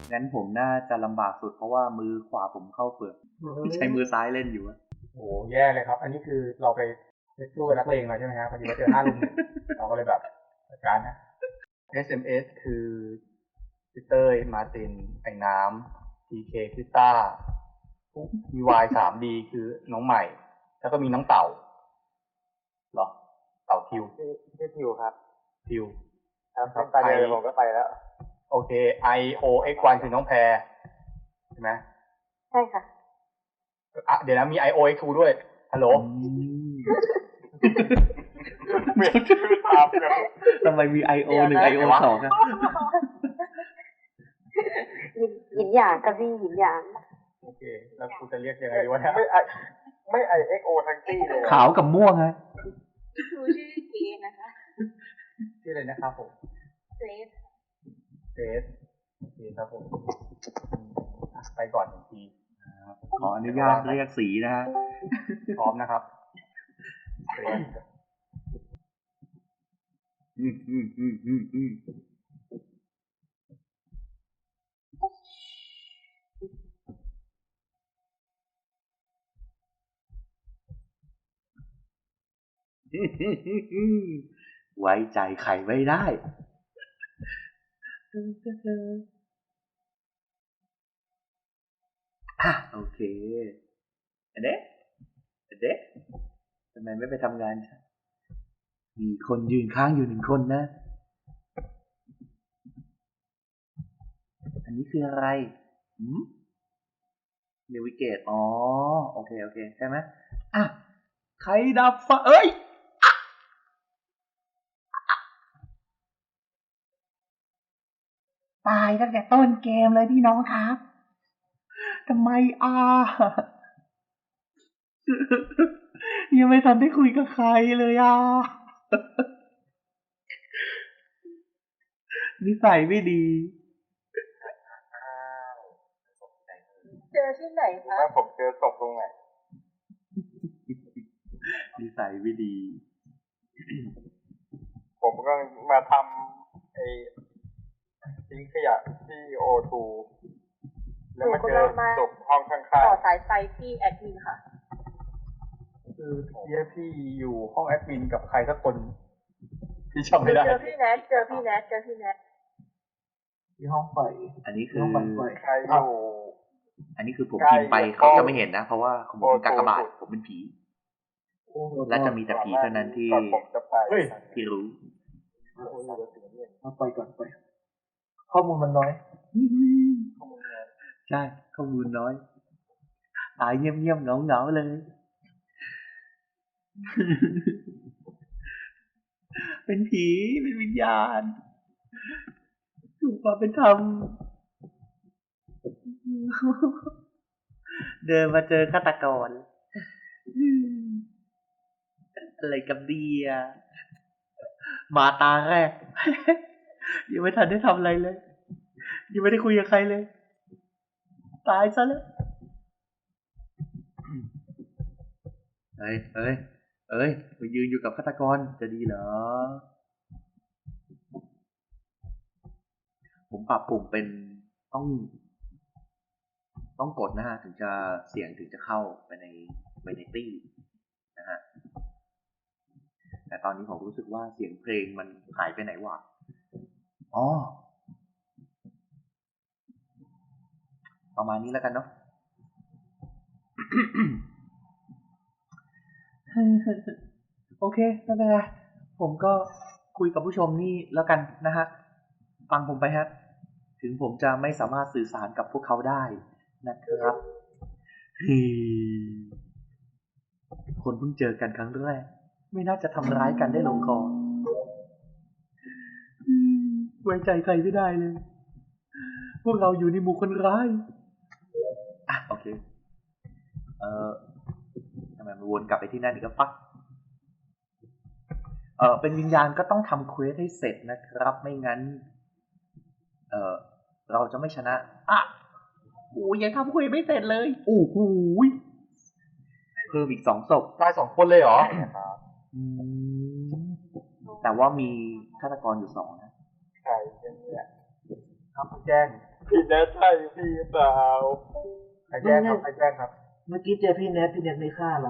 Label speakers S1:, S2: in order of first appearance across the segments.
S1: งั้นผมน่าจะลำบากสุดเพราะว่ามือขวาผมเข้าเฟือกใช้มือซ้ายเล่นอยู่อะ
S2: โอ้แย่เลยครับ อันนี้คือเราไปสู้กับนักเลงมาใช่ไหมครับพอดีว่าเจอ5 ลุม 1เราก็เลยแบบจัดการนะ SMS คือพี่เต้ยมาร์ตินไอ้น้ำ TK คือต้า VY 3D คือน้องใหม่ แล้วก็มีน้องเต่าเหรอเต่าทิว
S3: ชื่อทิวครับ
S2: ทิว
S3: ครับตอนเดียวผมก็ไปแล้ว
S2: โอเค IOX1 คือน้องแพรใช่ไหม
S4: ใช่ค่ะ
S2: เดี๋ยวนะมี IOX2 ด้วยฮัลโหล
S3: เปลี่ยนชื่อตามเลย
S1: ทำไมมี IO1 IO2 ครับ
S4: หยินหยางกับพี่หยินหยาง
S2: โอเคแล้วกูจะเรียกยังไงดีวะเนี่ย
S3: ไม่ IXO ทั้งตี้เลย
S1: ขาวกับม่วงฮะ
S4: ชื่อเกนะคะ
S2: ชื่ออะไรนะครับผม
S4: เกรซ
S2: โอเคครับผมไปก่อน1 ที
S1: ขออนุญาตเรียกสีนะฮะ
S2: พร้อมนะครับ
S1: ไว้ใจใครไม่ได้โอเคเด็กทำไมไม่ไปทำงานมีคนยืนข้างอยู่1 คนนะอันนี้คืออะไรเนวิเกตอ๋อโอเคใช่ไหมใครดับไฟเอ้ยตายตั้งแต่ต้นเกมเลยพี่น้องครับทำไมยังไม่ทันได้คุยกับใครเลยนิสัยไม่ดี
S4: เจอที่ไหนคะ
S3: ผมเจอศพตรงไหน
S1: นิสัยไม่ดี
S3: ผมก็มาทำทิ้งขยะที่ O2 แล้วมาเจอศพห้องข้างๆ
S4: ต่อสายไฟที่แอดมินค่ะ
S2: คือพี่อยู่ห้องแอดมินกับใครสักคนที่จำไม่ได้
S4: เจอพี่แนท
S2: ที่ห้องไฟ
S1: อันนี้คือ
S3: ใครอยู่
S1: อันนี้คือผมพิมพ์ไปเขาจะไม่เห็นนะเพราะว่าผมเป็นกากบาทผมเป็นผีและจะมีแต่ผีเท่านั้นที่รู้
S2: ไปก่อนข้อมูลมันน้อย
S1: ใช่ข้อมูลน้อยตายเงียบๆเหงาๆเลยเป็นผีเป็นวิญญาณถูกความเป็นธรรมเดินมาเจอฆาตกรอะไรกับเดียมาตาแรกยังไม่ทันได้ทำอะไรเลยยังไม่ได้คุยกับใครเลยตายซะแล้วเฮ้ยไปยืนอยู่กับฆาตกรจะดีเหรอผมปรับปุ่มเป็นต้องกดนะฮะถึงจะเสียงถึงจะเข้าไปในตี้นะฮะแต่ตอนนี้ผมรู้สึกว่าเสียงเพลงมันหายไปไหนวะประมาณนี้แล้วกันเนาะ โอเคไม่เป็นไรผมก็คุยกับผู้ชมนี่แล้วกันนะฮะฟังผมไปฮะถึงผมจะไม่สามารถสื่อสารกับพวกเขาได้นะครับคนเพิ่งเจอกันครั้งแรกไม่น่าจะทำร้ายกันได้ลงคอไว้ใจใครไม่ได้เลยพวกเราอยู่ในหมู่คนร้ายโอเคทำไมมันวนกลับไปที่นั่นอีกก็ฟักเป็นวิญญาณก็ต้องทำเควสให้เสร็จนะครับไม่งั้นเราจะไม่ชนะยังทำเควสไม่เสร็จเลยโอ้โหเพิ่มอีก2 ศพ
S2: ตาย2 คนเลยเหรอ
S1: แต่ว่ามีฆาตกรอยู่2นะ
S3: ใช่เนี่ย
S2: ครับแจ้ง
S3: พี่แนทใช่พี่เปล่า
S2: ใครแจ้งครับใครแจ้งครับ
S5: เมื่อกี้เจอพี่เน็ตไม่ฆ่าเรา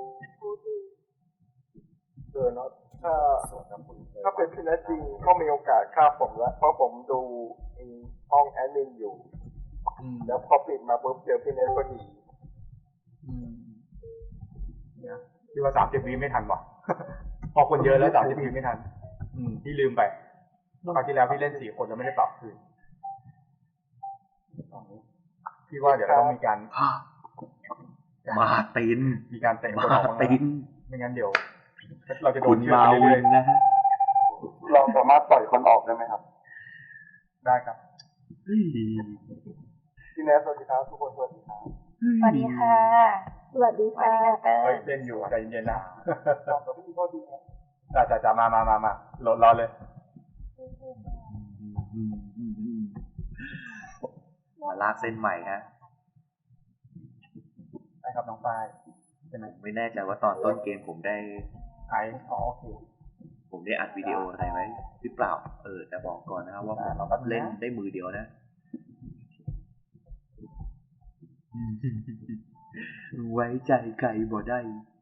S3: เนาะถ้าเป็นพี่แนทจริงก็มีโอกาสฆ่าผมแล้วเพราะผมดูห้องแอดมินอยู่ แล้วพอปิดมาปุ๊บเจอพี่แนทพอดี
S2: เนี่ยพี่ว่า30 วิไม่ทันว่ะ พอคนเยอะแล้ว30 วิไม่ทัน พี่ลืมไปคราวที่แล้วพี่เล่น4 คนแล้วไม่ได้ปรับคืนพี่ว่าเดี๋ยวเราต้องมีการ
S1: มาติน
S2: มีการเตะคน
S1: มา
S2: ออกบ้าง
S1: ติ
S2: แล้ว
S1: น
S2: ไม่งั้นเดี๋ยว เราจะโด
S1: คุ
S2: น
S1: ณ
S2: เชื่อ
S1: มา
S2: ไป
S1: วิ
S2: เรื่อย
S1: นนะฮะ
S3: เราสามารถปล่อยคนออกได้ไหมครับ
S2: ๆได้ครับ
S1: เฮ้ย
S3: พี่แนทสวัสดีครับทุกคนสวัสดีครับ
S4: สวัสดีค่ะ สวัสดีค่ะเตอ
S2: เฮ้ย
S4: ร์
S2: เล่นอยู่ใจเย็นๆนะ
S3: ขอบพี่โทษทีครับ
S2: จะมาโหลดรอเลย
S1: มาลากเส้นใหม่ฮะ
S2: ได้ครับน้องฝ้าย
S1: ผมไม่แน่ใจว่าตอนต้นเกมผมได้
S2: โอเค
S1: ผมได้อัดวิดีโออะไรไว้หรือเปล่า แต่บอกก่อนนะครับว่าผมเล่นได้มือเดียวนะ ไว้ใจไก่บ่ได้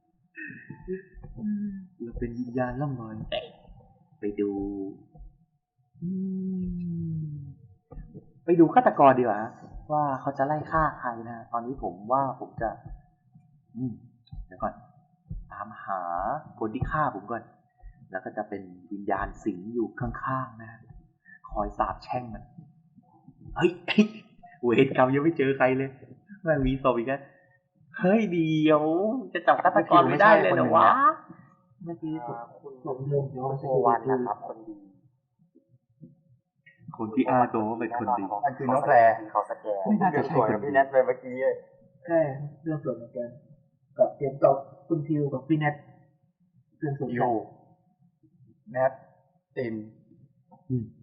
S1: เราเป็นวิญญาณล่องลอยไปดูฆาตกรดีกว่าว่าเขาจะไล่ฆ่าใครนะ ตอนนี้ผมว่าผมจะเดี๋ยวก่อน ตามหาคนที่ฆ่าผมก่อน แล้วก็จะเป็นวิญญาณสิงอยู่ข้างๆนะ คอยสาบแช่งมันเฮ้ย เวรกรรมยังไม่เจอใครเลยแม่งมีศพอีกแล้วเฮ้ยเดียวจะจับฆาตกรไม่ได้เลยเหรอวะ
S5: เมื่อกี้ผมโยงย้อน
S3: โอวันนะครับคนดี
S1: คนที่อ้างตัวว่าเป็นคนดี
S2: มันคือน้องแพร
S3: เขาสแกน
S1: ไม่น่าจะใช่
S3: สวย
S1: คนดี
S3: พี่แนทไปเมื่อกี้
S5: ใช่เรื่องส่วนเหมือนกันกับเกมตอบคุณทิวกับพี่เน็ตเรื่องส่วน
S2: ยู
S5: กัน
S2: แนทติน
S1: อืม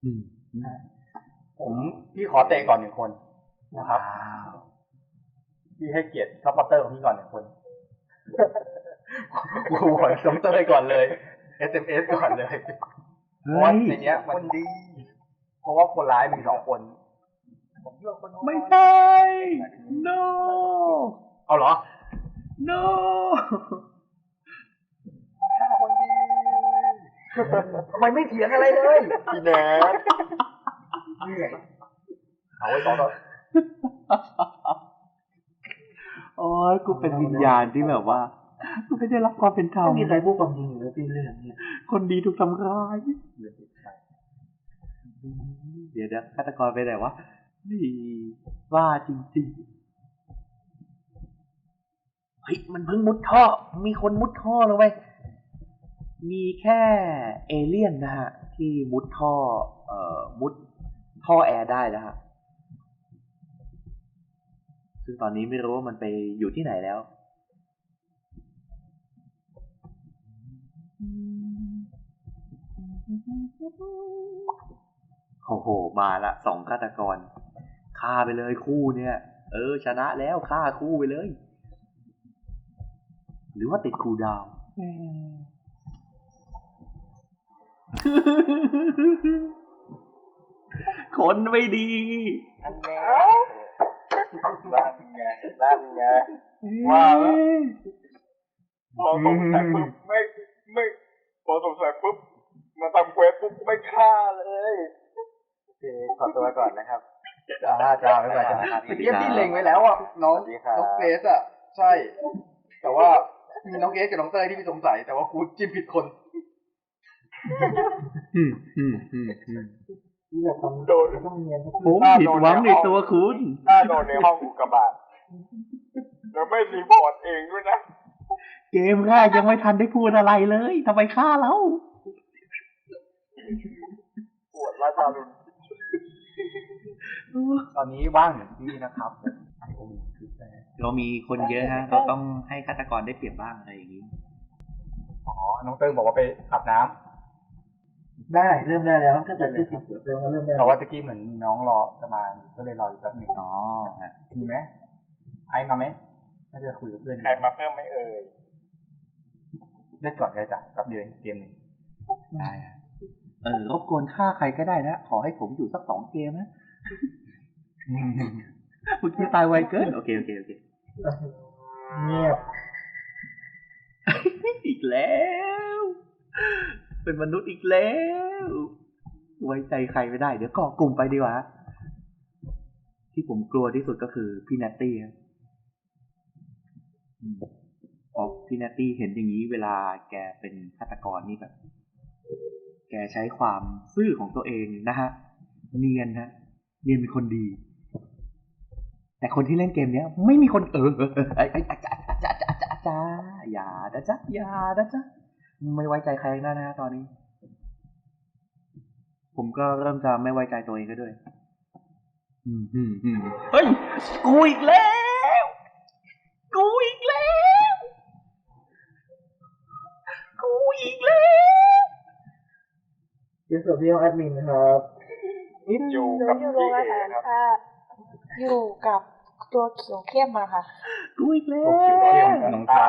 S2: พี่ขอเตะก่อน1 คนนะครับ
S1: ว้าว
S2: พี่ให้เกียรติซัพพอร์เตอร์ของพี่ก่อน1 คน กูขอซัพพอร์เตอร์ก่อนเลย SMS ก่อนเลยเพราะว่าในเนี้ยมันดี เพราะว่าคนร้ายมี2 คนผมเลือกคนน้อย
S1: ไม่ใช่ no
S2: เอาเหรอ
S1: no
S2: คนดีทำไมไม่เถียงอะไรเลย
S3: พี่แนท
S2: เหนื่อยเอาไว้ต่อ
S1: โอ้ยกูเป็นวิญญาณที่แบบว่ากูไม่ได้รับความเป็นธรร
S5: ต้
S1: ม
S5: องมีใครพูดความจริงอยู่แล้วพี่เรื่องเนี้ย
S1: คนดีถูกทำร้ายเดี๋ยวฆาตกรไปไหนวะนี่ว่าจริงๆเฮ้ยมันเพิ่งมุดท่อมีคนมุดท่อลงไปมีแค่เอเลี่ยนนะฮะที่มุดท่อมุดท่อแอร์ได้นะฮะซึ่งตอนนี้ไม่รู้ว่ามันไปอยู่ที่ไหนแล้วโอ้โหมาละ2ฆาตกรฆ่าไปเลยคู่เนี่ยชนะแล้วฆ่าคู่ไปเลย หรือว่าติดคูลดาวน์ คนไม่ดี
S3: นั่นไงนั่นไงว่าแล้วพอสงสัยปุ๊บไม่พอสงสัยปุ๊บมาทำเควสปุ๊บไม่ฆ่าเลยโอเคขอตัวก่อนนะครับ
S2: จ้าไม่เป็นไรจ้าเยี่ยมที่เล็งไว้แล้วอ่ะน้องเกรซอ่ะใช่ แต่ว่ามีน้องเกรซกับน้องเต้ยที่พี่สงสัยแต่ว่ากูจิ้มผิดคน
S5: ที่แบบต้อง
S3: โดน
S5: ต้องเรียน
S1: ผมผิดหวังในตัวคุณ
S3: ถ้าโดนในห้องอุกกาบาตแล้วไม่รีพอร์ตเองด้วยนะ
S1: เกมแรกยังไม่ทันได้พูดอะไรเลยทำไมฆ่าเรา
S3: ปวดราชาลุน
S2: ตอนนี้ว่างเหมือนพี่นะครับ
S1: เรามีคนเยอะฮะ เราต้องให้ฆาตกรได้เปรียบบ้างอะไรอย่างนี้
S2: อ๋อน้องเต้ยบอกว่าไปอาบน้ำ
S5: ได้เริ่มได้แล้วถ้าเกิดที่10เริ่มได้
S2: แต่ว่าตะกี้เหมือนมีน้องรอจะมาก็เลยรออยู่แป๊บหนึง
S1: อ๋อฮะ
S2: มีไหมไอ้มาไหมน่าจะคุยกับเพื่อน
S3: ใครมาเพิ่มไหม่เอ่ย
S2: เล่นก่อนได้จ้ะแป๊บเดียวเกมหนึง
S1: ได้ฮะรบกวนฆ่าใครก็ได้นะ ขอให้ผมอยู่สัก2 เกมนะเมื่อกี้ตายไวเกินโอเค
S5: เงียบ
S1: อีกแล้ว เป็นมนุษย์อีกแล้ว ไว้ใจใครไม่ได้ เดี๋ยวก่อกลุ่มไปดีกว่า ที่ผมกลัวที่สุดก็คือพี่นัตตี้ครับพอพี่นัตตี้เห็นอย่างนี้เวลาแกเป็นฆาตกรนี่แบบ แกใช้ความซื่อของตัวเองนะฮะ เนียนเป็นคนดี แต่คนที่เล่นเกมเนี้ย ไม่มีคนจ้าอย่านะจ๊ะไม่ไว้ใจใครแล้วนะตอนนี้ ผมก็เริ่มจะไม่ไว้ใจตัวเองก็ด้วยเฮ้ยกูอีกแล้ว
S5: เดี๋ยวส่วนพี่ห้องแอดมินนะครับ
S3: อยู่
S4: หนู
S3: กับ
S4: อยู่โร
S3: พี่
S4: งอา
S3: เอ
S4: หาร
S3: ครับ
S4: ค่ะ อยู่กับตัวเขียวเข้มมาค่ะ
S1: กูอีกแล้
S2: โอเคโอเคว น้องตา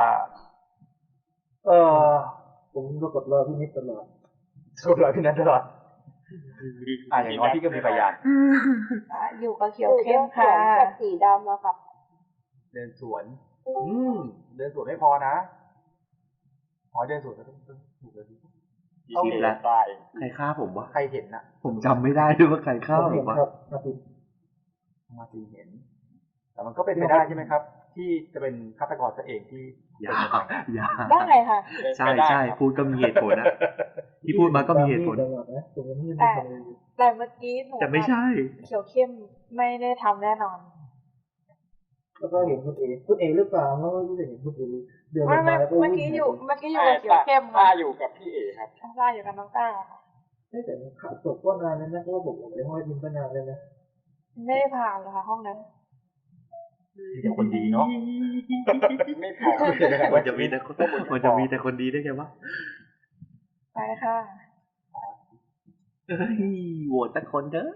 S5: ผมก็กดรอพี่นิดตลอด
S2: สู้เลยพี่นัทตลอดอย่างน้อยพี่ก็มีพยาน
S4: อยู่กับเขียวเข้มค่ะกับสีดำอะค่ะ
S2: เดินสวน เดินสวนไม่พอนะเดินสวนก็ต้องถูกเลย
S3: พี่เอตาย
S1: ใครฆ่าผมวะ
S2: ใครเห็นนะ
S1: ผมจำไม่ได้ด้วยว่าใครฆ่า
S5: ผม
S1: ผ
S5: เห็น
S1: มวะ
S5: ครับมาติด
S2: มาตีเห็น แต่มันก็เป็นไปได้ใช่ไหมครับ ที่จะเป็นฆาตกรซะเองที่
S1: อย่า
S4: ได้ค่ะ
S1: ใช่พูดก็มีเหตุผลนะที่พูดมาก็มีเหตุผล
S5: ตลอดนะผมยังไม่ได้
S4: แต่
S5: ทำเลย
S4: แต่เมื่อกี้หนู
S1: แต่ไม่ใช่
S4: เขียวเข้มไม่ได้ทำแน่นอน
S5: แล้วก็เห็นคุณเอหรือเปล่าเพราะว่าพี่เห็นคุณเอเดิน
S4: ไม่
S5: มาแล้วก็
S4: เมื่อ
S5: วิ่ง
S4: กี้อยู่กับเขียวเข้ม
S3: ต้า
S4: ค่ะ
S3: อยู่กับพี่เอครับ
S4: ต้าอยู่กับน้องต้าค่ะ
S5: แต่ขับศพก็นานแล้วนะเพราะว่าผมออกไปห้องแอดมินก็นานแล้วนะ
S4: ไม่ได้ผ่านเลยค่ะห้องนั้น
S2: เดี๋ยวคนดีเนาะ
S3: ไม่พอ
S1: มันจะมีแต่คนดีได้ไงวะ
S4: ไปค่ะ
S1: เฮ้ยโหวตแต่คนเถอะ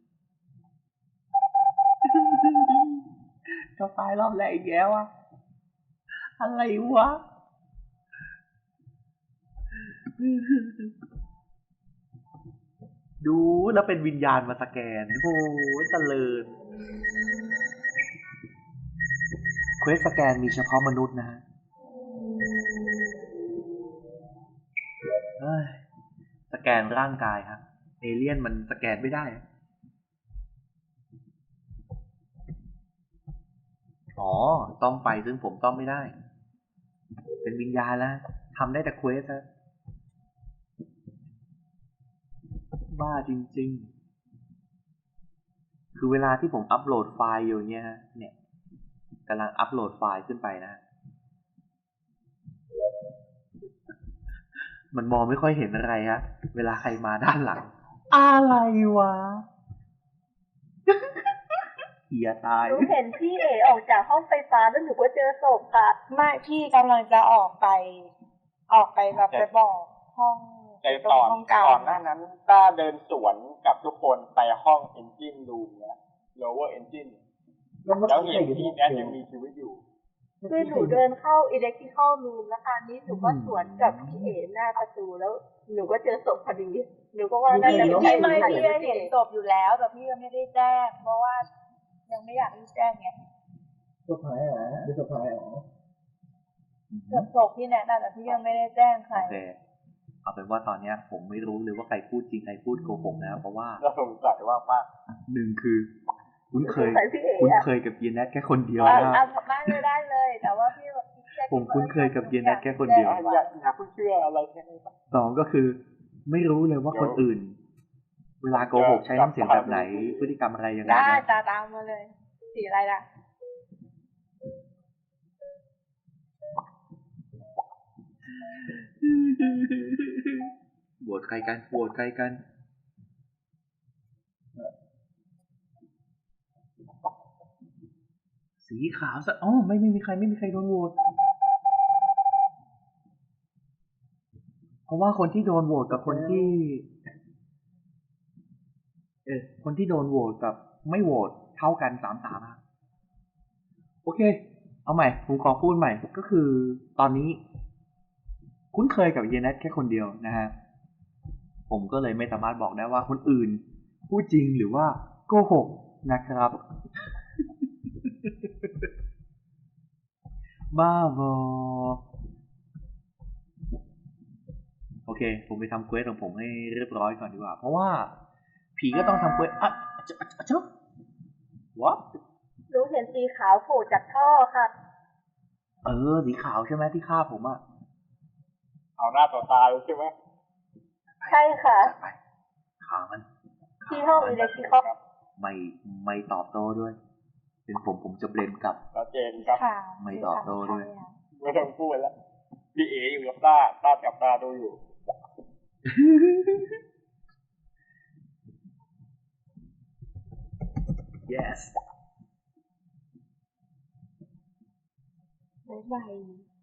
S1: ก็ตายรอบแรกอีกแล้วอะอะไรวะ ดูแล้วเป็นวิญญาณมาสแกนโอ้ยเจริญเควสสแกนมีเฉพาะมนุษย์นะฮะสแกนร่างกายครับเอเลี่ยนมันสแกนไม่ได้อ๋อต้อมไปซึ่งผมต้อมไม่ได้ เป็นวิญญาณแล้วทำได้แต่เควสฮะบ้าจริงๆคือเวลาที่ผมอัปโหลดไฟล์อยู่เนี่ยกำลังอัปโหลดไฟล์ขึ้นไปนะ มันมองไม่ค่อยเห็นอะไรฮะเวลาใครมาด้านหลัง อะไรวะ เหี้ยตาย
S4: หนูเห็นพี่เอออกจากห้องไฟฟ้าแล้วหนูก็เจอศพค่ะ ไม่พี่กำลังจะออกไปแบบไปบอกห้อง
S3: ในตอน
S4: ห้องเก่า
S3: ก่อนหน้านั้นต้าเดินสวนกับทุกคนไปห้อง engine room นะ lower engine แล้วเห็นพี่แนทยังมีชีวิตอยู่
S4: คือหนูเดินเข้า electrical room แล้วคราวนี้หนูก็สวนกับพี่เอหน้าประตูแล้วหนูก็เจอศพพอดีหนูก็ว่าน่าจะ
S5: พี่
S4: ไม่
S5: ไม่
S4: พี่เห็นศพอยู่แล้วแต่พี่ยังไม่ได้แจ้งเพราะว่ายังไม่อยากรีบแจ้งไง
S5: ศพหายเหรอหรือศพหายเหรอ
S4: ศพพี่แนะนำแต่พี่ยังไม่ได้แจ้งใคร
S1: โอเคเอาเป็นว่าตอนเนี้ยผมไม่รู้เลยว่าใครพูดจริงใครพูดโกหกนะเพราะว่า
S3: เราสงสัยว่าป้า
S1: หนึ่งคือคุ้นเคย
S4: สงสัยพี่เอ๋
S1: คุ้น
S4: อะ
S1: เคยกับเยนแนทแค่คนเดียว
S4: เอา
S1: นะ
S4: ได้เลย แต่ว่าพี่แบบพี่แจ้ง
S1: ผมคุ้นเคยกับเย็นแนทแค่คนเดียว
S3: อย่าเพิ่งเชื่ออะไรแค่นี้
S1: สองก็คือ ไม่รู้เลยว่าคนอื่น เวลาโกหกใช้น้ำเสียงแบบไหนพฤติกรรมอะไรยังไง
S4: ได้
S1: นะ
S4: ตามมาเลย สีอะไรล่ะ
S1: โหวตใครกันโหวตใครกัน สีขาวซะอ๋อไม่มีใครโดนโหวตเพราะว่าคนที่โดนโหวตกับคนที่คนที่โดนโหวตกับไม่โหวตเท่ากัน3-3ครับโอเค เอาใหม่ผมขอพูดใหม่ก็คือตอนนี้ คุ้นเคยกับเยนแนทแค่คนเดียวนะฮะผมก็เลยไม่สามารถบอกได้ว่าคนอื่นพูดจริงหรือว่าโกหกนะครับ บ้าบอโอเค ผมไปทำเควสของผมให้เรียบร้อยก่อนดีกว่า เพราะว่า ผีก็ต้องทำเควสจ๊ะ what
S4: หนูเห็นสีขาวโผล่จากท่อค่ะ
S1: สีขาวใช่ไหมที่ฆ่าผมอะ
S3: เอาหน้าต่อตาเลยใช่ไหม
S4: ใช่ค่ะ
S1: จัดไปฆ่ามัน
S4: ที่ห้องอิเล็กทริคอล
S1: ไม่ตอบโต้ด้วย เป็นผมจะเบลมกลับ
S3: ชัดเจนครับ
S6: ค่ะ
S1: ไม่ตอบโต้ด้วย
S3: ไม่ต้องพูดแล้วพี่เออยู่กับต้าจับตาดูอยู่
S1: yes
S6: บ๊ายบาย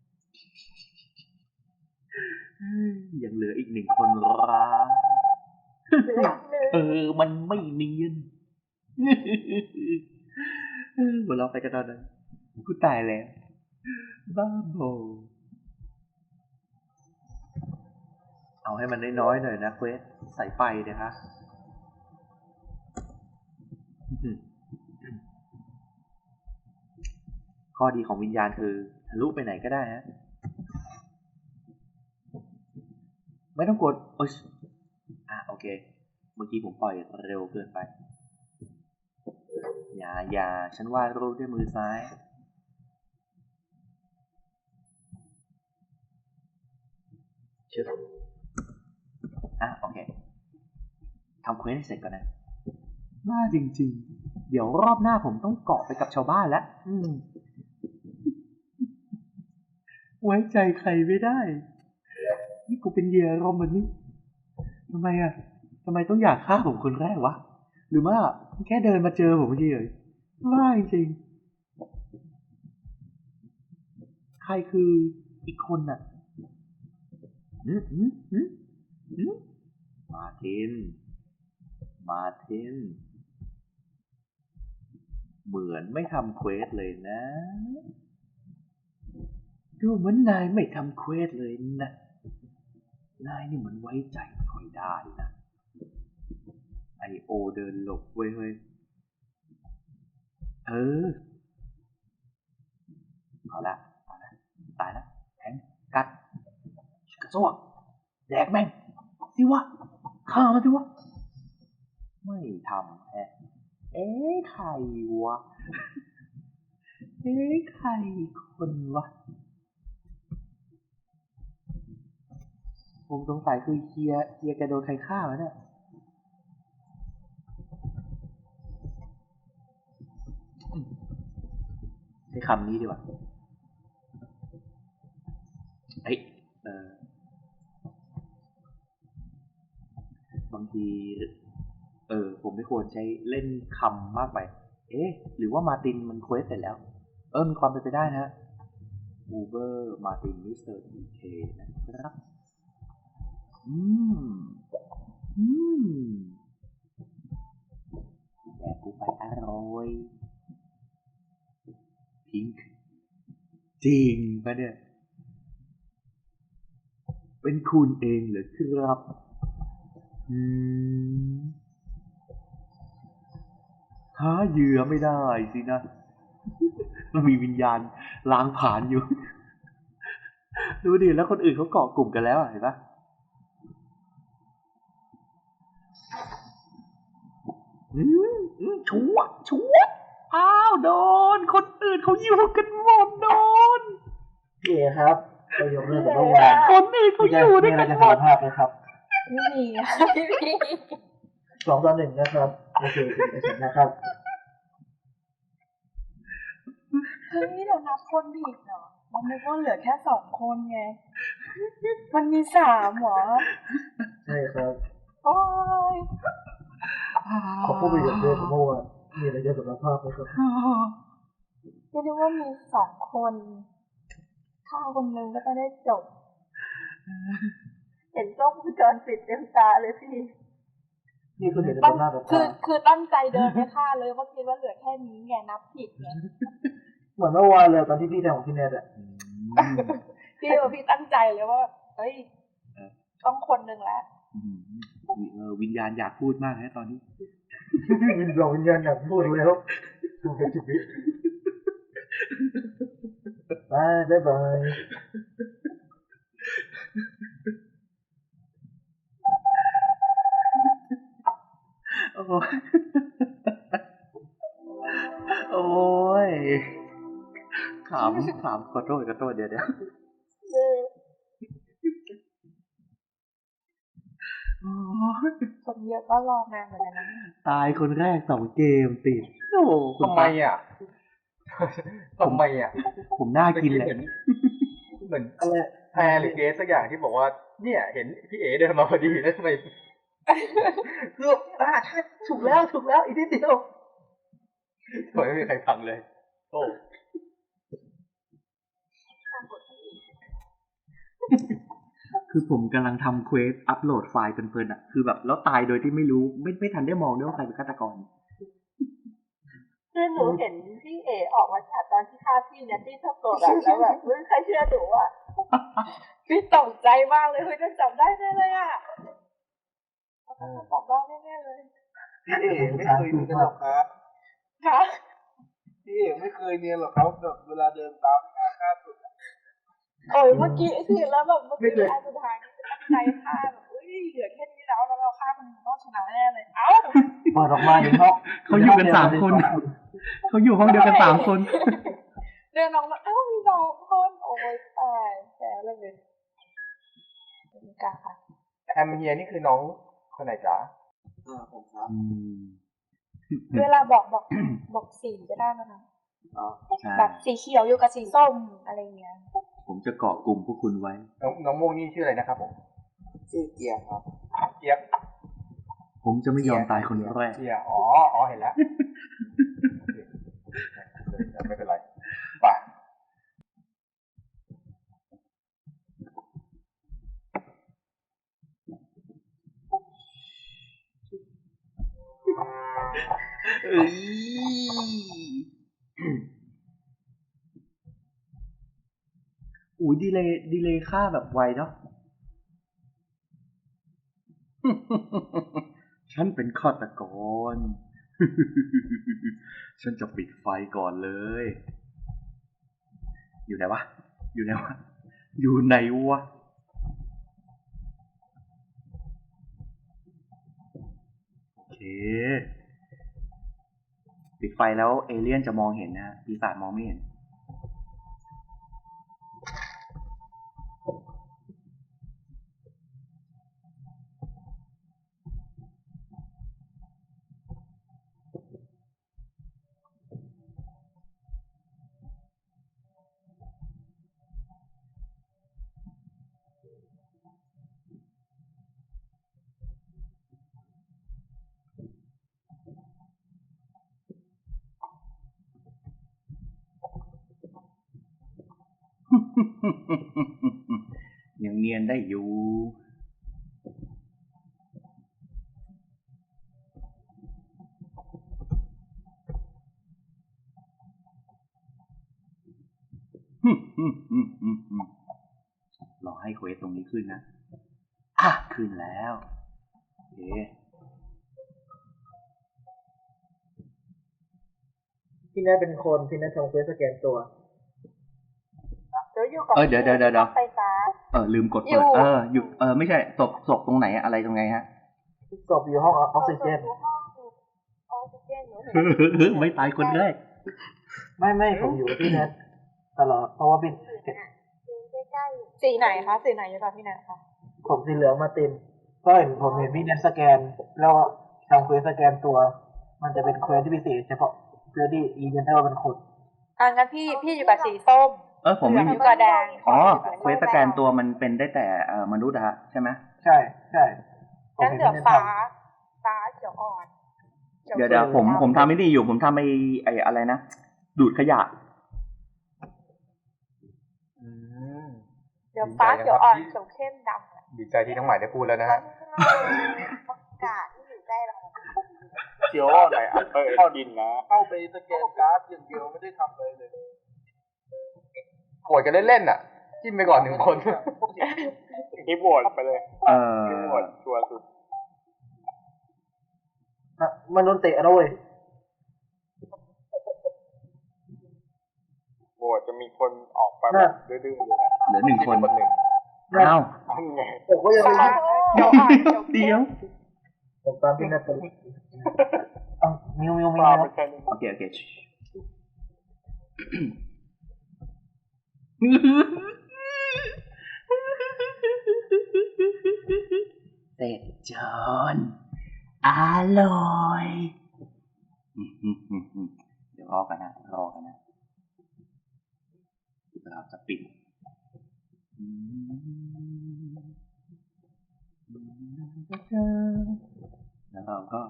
S1: ยังเหลืออีก1 คนร้าง
S4: เหลืออีกหนึ่ง
S1: มันไม่เนียน หัวเราะไปกันตอนนั้นกูตายแล้ว บ้าบอเอาให้มันน้อยๆหน่อยนะเควสสายไฟเนี่ยคะข้อดีของวิญญาณคือทะลุไปไหนก็ได้ฮะ ไม่ต้องกดโอเค เมื่อกี้ผมปล่อยเร็วเกินไป อย่า ฉันวาดรูปด้วยมือซ้าย โอเค ทำเควสให้เสร็จก่อนนะน่าจริงๆ เดี๋ยวรอบหน้าผมต้องเกาะไปกับชาวบ้านแล้ว ไว้ใจใครไม่ได้ นี่กูเป็นเหยื่ออารมณ์แบบนี้ทำไมต้องอยากฆ่าผมคนแรกวะ หรือว่าแค่เดินมาเจอผมเฉยๆว่าจริงใครคืออีกคนน่ะมาร์ติน เหมือนไม่ทำเควสเลยนะ ดูเหมือนนายไม่ทำเควสเลยนะ นายนี่มันไว้ใจไม่ค่อยได้นะ ไอโอเดินหลบเว้ยเอาละตายละแทงกัดกระซวกแดกแม่งสิวะฆ่ามันสิวะไม่ทำใครวะใครคนวะผมสงสัยคือเคียร์แกโดนใครฆ่าวะเนี่ยใช้คำนี้ดีกว่าบางทีผมไม่ควรใช้เล่นคำมากไปหรือว่ามาร์ตินมันเควสเสร็จแล้วมีความเป็นไปได้นะอูเบอร์มาร์ตินมิสเตอร์ดีเคนะครับแดกกูไปอร่อยพิงค์จริงปะเนี่ยเป็นคุณเองเหรอครับหาเหยื่อไม่ได้สินะมันมีวิญญาณล้างผ่านอยู่ ดูดิแล้วคนอื่นเขาเกาะกลุ่มกันแล้วเห็นปะชัวอ้าวโดนคนอื่นเขาอยู่กันหมดโดน
S5: พี่เอครับเรายกเลิกกับเมื่อวาน
S1: คนอื่นเขาอยู่ด้วย
S5: มีอะไร
S1: กัน
S5: จะ
S1: หม
S5: สาร
S1: ด
S5: ภาพไหมครับ
S6: ไม่มีค่ะไม่มี
S5: 2-1นะครับโอเคเป็นเสร็จนะครับ
S6: เฮ้ยเรานับคนผิดเหรอมันนึกว่าเหลือแค่2 คนไง มันมี3เหรอ
S5: ใช่ครับ
S6: โอ้ย
S5: ขอพูดประโยคเดียวกับเมื่อวานมีอะไรจะสารภาพไหมครับ
S6: ไม่รู้ว่ามี2 คนฆ่าคนนึงก็จะได้จบ
S4: เห็นกล้องวงจรปิดเต็มตาเลยพี่
S5: นี่คือเห็นใน
S6: ตั้ง
S5: หน้าต่อ
S6: คื
S5: ตา
S6: อตั้งใจเดินไปฆ่าเลยว่าคิดว่าเหลือแค่นี้ไงนับผิดไง
S5: เหมือนเมื่อวานเลยตอนที่พี่ทำของพี่เนทอะ
S6: พี่ตั้งใจเลยว่าเฮ้ยต้องคนนึงแล้ว
S1: วิญญาณอยากพูดมากนะตอนนี้
S5: หลงวิญญาณอยากพูดแล้วดูเป็นชีวิตบายบาย
S1: โอ้ยโอ้ยขำขอโทษเดี๋ยวโอ้ย
S6: คนเยอะก็รอนานเหมือนกันนะ
S1: ตายคนแรก2 เกมติดโอ้คุณ
S2: ทำไมอ่ะ ทำไมอ่ะ
S1: ผมน่ากินเลย
S2: เหมือนแพรหรือเกสสักอย่างที่บอกว่า เนี่ยเห็นพี่เอ๋เดินมาพอดีแล้วทำไมคือใช่ถูกแล้วอีกนิดเดียวทำไมไม่มีใครฟังเลยโอ้
S1: คือผมกำลังทำเควสอัปโหลดไฟล์เพลินๆอ่ะคือแบบแล้วตายโดยที่ไม่รู้ไม่ทันได้มองด้วยว่าใครเป็นฆาตกร
S4: คือหนูเห็นพี่เอออกมาจากตอนที่ฆ่าพี่เนี่ยที่ทับตัวแบบแล้วแบบไม่มีใครเชื่อหนูอ่ะ
S6: พี่ตกใจมากเลยเฮ้ยจะจับได้แน่เลยอ่ะจับได้แน่เลย
S3: พี่เอ๋ไม่เคยเนียนหรอกครับ
S6: ค่ะ
S3: พี่เอ๋ไม่เคยเนียนหรอกครับแบบเวลาเดินตามงานฆ่าสุด
S6: โอ้ยเมื่อกี้ที่แล้วแบบเมื่อกี้อันสุดท้ายนี่ตั้งใจฆ่าแบบเฮ้ยเหลือแค่นี้แล้วเราฆ่าคนต้องชนะแน่เลยเอ้า
S5: เปิดออกมาในห้อง
S1: เขาอยู่กัน3 คนเขาอยู่ห้องเดียวกัน3 คน
S6: เดินออกมาเอ้ามี2 คนโอ้ยตายแย่เลยเป็นกาค่ะ
S2: แอมเฮียนี่คือน้องคนไหนจ๊ะ
S3: ผมครับ
S6: เวลาบอกสีก็ได้นะคะ
S1: ใช่
S6: แบบสีเขียวอยู่กับสีส้มอะไรเงี้ย
S1: ผมจะเกาะกลุ่มพวกคุณไว้
S2: น้องโมงนี่ชื่ออะไรนะครับผม
S3: ชื่อเกียร์ครับ
S2: เจี๊ยบ
S1: ผมจะไม่ยอมตายคนแรก
S2: เจี๊ยบอ๋อเห็นแล้วไม่เป็นไรไป
S1: เอ้ยอุ้ยดีเลยค่าแบบไวเนาะ ฉันเป็นฆาตกร ฉันจะปิดไฟก่อนเลย อยู่ไหนวะ อยู่ไหนวะ โอเค ปิดไฟแล้วเอเลี่ยนจะมองเห็นนะปีศาจมองไม่เห็น ยังเนียนได้อยู่ รอให้เควสตรงนี้ขึ้นนะ ขึ้นแล้ว โอเค
S5: พี่น่าเป็นคนพี่น่าทำเควสสแกนตัว
S4: หนูอยู่กับ
S1: เดี๋ยว
S4: ไฟฟ้า
S1: ลืมกด
S6: อยู่
S1: เปิดอยู่ไม่ใช่ศพตรงไหนอะไรตรงไงฮะ
S5: ศพอยู่ห้องออกซิเจน
S4: อยู่ห้องออกซิเจนหนูเห็น
S1: ไม่ตายคนแรก
S5: ไม่ผมอยู่ที่นัทตลอดเพราะว่าเป็น
S4: ใกล้
S6: สีไหนคะสีไหนอยู่กับพี่แนทคะ
S5: ผมสีเหลืองมาเต็มก็เห็นผมเห็นพี่นัทสแกน แล้วทำเควสสแกนตัว มันจะเป็นเควสที่พิเศษเฉพาะเพื่อที่อีเวนเตอร์เป็นคน
S6: งั้นพี่อยู่กับสีส้ม
S1: ผมไม่
S6: เหลื
S1: มี
S6: อง ก็แดง
S1: เควสสแกนตัวมันเป็นได้แต่มนุษย์อะฮะใช่ไหม
S5: ใช่ผม
S6: งั้น
S5: เห็น
S6: เหลือ
S5: พี่นัท
S6: ฟ้า
S5: ท
S6: เขียวอ่อน
S1: เดี๋ยวผมทำไม่ดีอยู่ผมทำไอ้อะไรนะ ดูดขยะ
S6: เดี๋ยวฟ้าเขียวอ่อนเขียวเข้มดำอะ
S2: ดีใจที่น้องใหม่ได้พูดแล้วนะฮะ
S4: อากาศที่อยู่ใกล้เรา
S3: เขียวอ่อนไหนเข้าดินนะเข้าไปสแกนการ์ดอย่างเดียวไม่ได้ทำอะไรเลย
S2: โหวตกันเล่นๆอ่ะ จิ้มไปก่อน1 คน
S3: ที่โหวตไปเลยที่โหวตชัวร์สุด
S5: มันโดนเตะแล้วเว้ย
S3: โหวตจะมีคนออกไปแบบดื้อๆอยู่นะ
S1: เหลือหนึ่งคน
S3: คนหนึ่ง
S1: อ้าว
S3: นั่นไง
S5: ผมก็ยังไม่
S1: เดี๋ยว
S5: ผมตามที่นัดกันมิว
S3: ปลาไม่ใช่นี่
S1: โอเคเสร็จจอนอร่อยเดี๋ยวรอกันนะเราจะปิดแล้วเราก็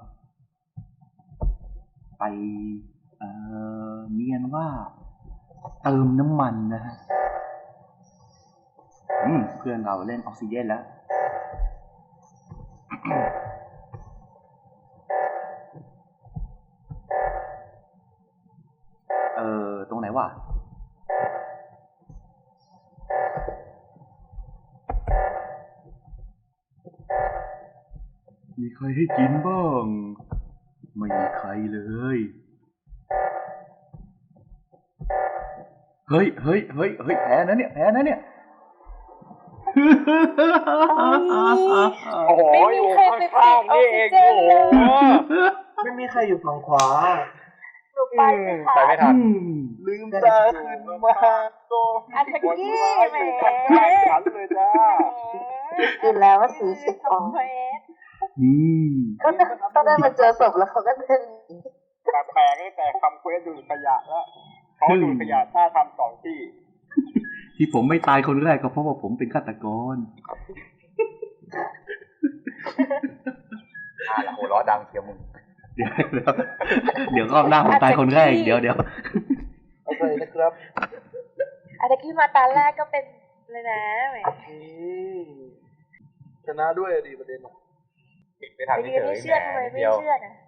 S1: ไปเนียนว่าเติมน้ำมันนะฮะเพื่อนเราเล่นออกซิเจนแล้วตรงไหนวะมีใครให้กินบ้างไม่มีใครเลยเฮ้ยแพ้นะเนี่ย
S3: โอ้โห
S6: ไม่มี
S3: อยู่
S6: ใครไป
S3: ข้างๆนี่เอง
S6: ปิดออกซิเจน
S3: โอ้โห
S5: ไม่มีใครอยู่ฝั่งขวา
S4: หนูไปไม่
S2: ไป
S4: ทัน
S2: ไม่ทัน
S3: ลืมตาขึ้นมาโต
S6: อาตะกี้แหม
S3: ฉันเลยจ้า
S4: อยู่แล้วว่า40
S6: สองเมตร
S4: ก็ได้มาเจอศพแล้วเขาก็เดิน
S3: แต่แปลกตั้งแต่คำเควสดูดขยะแล้วเขาดูดขยะถ้าทำ2 ที่
S1: ที่ผมไม่ตายคนแรกก็เพราะว่าผมเป็นฆาตกร
S2: โหล้อดังเชียวมึง
S1: เดี๋ยวรอบหน้าผมตายคนแรกเดี๋ยว
S5: โอเคนะครับ
S6: อาตะกี้มาตาแรกก็เป็นเลยนะแหม
S5: ชนะด้วยดีประเด็น
S2: ปิดไม่ทัน
S6: ไป
S2: เฉ
S6: ยืนไม่
S2: ย
S6: เชื่อทำไมไม่เชื่อนะ